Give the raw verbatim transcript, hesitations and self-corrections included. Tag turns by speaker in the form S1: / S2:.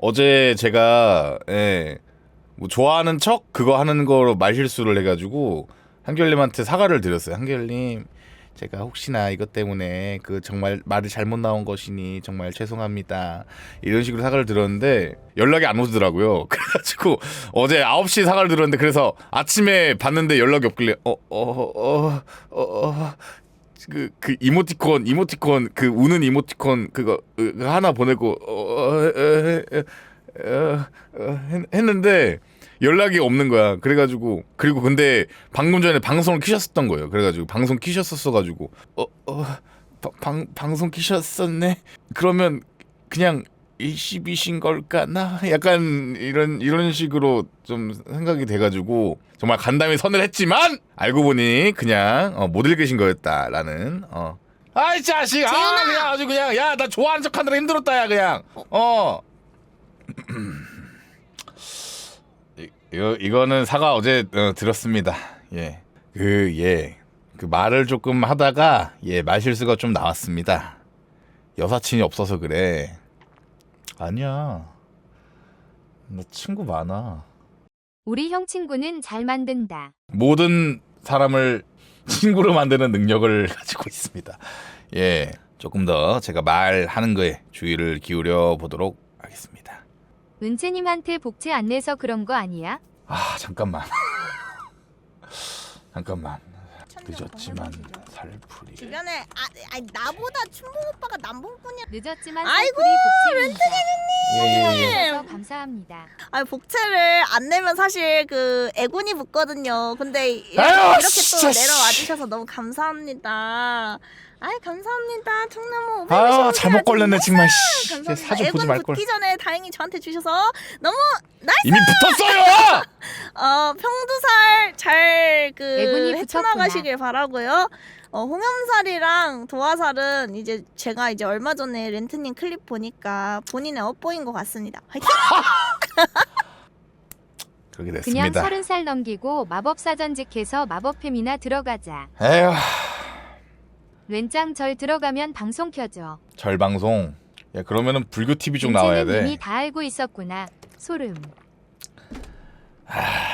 S1: 어제 제가 예, 뭐 좋아하는 척 그거 하는 거로 말실수를 해가지고 한결님한테 사과를 드렸어요. 한결님, 제가 혹시나 이것 때문에 그 정말 말이 잘못 나온 것이니 정말 죄송합니다, 이런 식으로 사과를 드렸는데 연락이 안 오더라고요. 그래가지고 어제 아홉 시에 사과를 드렸는데, 그래서 아침에 봤는데 연락이 없길래 어 어 어 어 그 그 이모티콘 이모티콘 그 우는 이모티콘 그거 그 하나 보내고 어, 어, 어, 어, 했는데 연락이 없는 거야. 그래가지고 그리고 근데 방금 전에 방송을 키셨었던 거예요. 그래가지고 방송 키셨었어가지고 어 어 방 방송 키셨었네. 그러면 그냥 일십이신 걸까나? 약간 이런 이런 식으로 좀 생각이 돼가지고 정말 간담이 선을 했지만 알고 보니 그냥 어, 못 읽으신 거였다라는. 어. 아이 자식, 아 그냥 아주 그냥 야 나 좋아하는 척하느라 힘들었다 야 그냥 어. 이, 이거 이거는 사과 어제 어, 들었습니다. 예, 그 예, 그 말을 조금 하다가 예 말실수가 좀 나왔습니다. 여사친이 없어서 그래. 아니야, 나 친구 많아.
S2: 우리 형 친구는 잘 만든다.
S1: 모든 사람을 친구로 만드는 능력을 가지고 있습니다. 예, 조금 더 제가 말하는 거에 주의를 기울여 보도록 하겠습니다.
S2: 은채님한테 복채 안 내서 그런 거 아니야?
S1: 아 잠깐만 잠깐만 늦었지만 살풀이.
S3: 주변에 아, 아니 나보다 춘봉 오빠가 남봉꾼이야.
S2: 늦었지만
S3: 아이고,
S2: 렌트님
S1: 예예예.
S2: 감사합니다.
S3: 아니 복채를 안 내면 사실 그 애군이 붙거든요. 근데 이렇게,
S1: 아유,
S3: 이렇게 또
S1: 진짜,
S3: 내려와
S1: 씨.
S3: 주셔서 너무 감사합니다. 아이 감사합니다. 청나무 오백
S1: 아
S3: 원씩
S1: 잘못 걸렸네 정말. 씨, 이제
S3: 감사합니다.
S1: 사주 보지
S3: 애군
S1: 말 걸.
S3: 붙기 전에 다행히 저한테 주셔서 너무 나이스.
S1: 이미 붙었어요.
S3: 어 평두살 잘그
S2: 애군이
S3: 헤쳐나가시길 바라고요. 어 홍염살이랑 도화살은 이제 제가 이제 얼마 전에 렌트님 클립 보니까 본인의 업보인 것 같습니다. 화이팅!
S1: 그렇게
S2: 그냥
S1: 됐습니다.
S2: 서른 살 넘기고 마법사 전직해서 마법팸이나 들어가자.
S1: 에휴,
S2: 렌짱 절 들어가면 방송 켜줘.
S1: 절방송. 야 그러면은 불교 티비 쪽 나와야
S2: 은채는
S1: 돼.
S2: 이미 다 알고 있었구나. 소름.
S1: 아,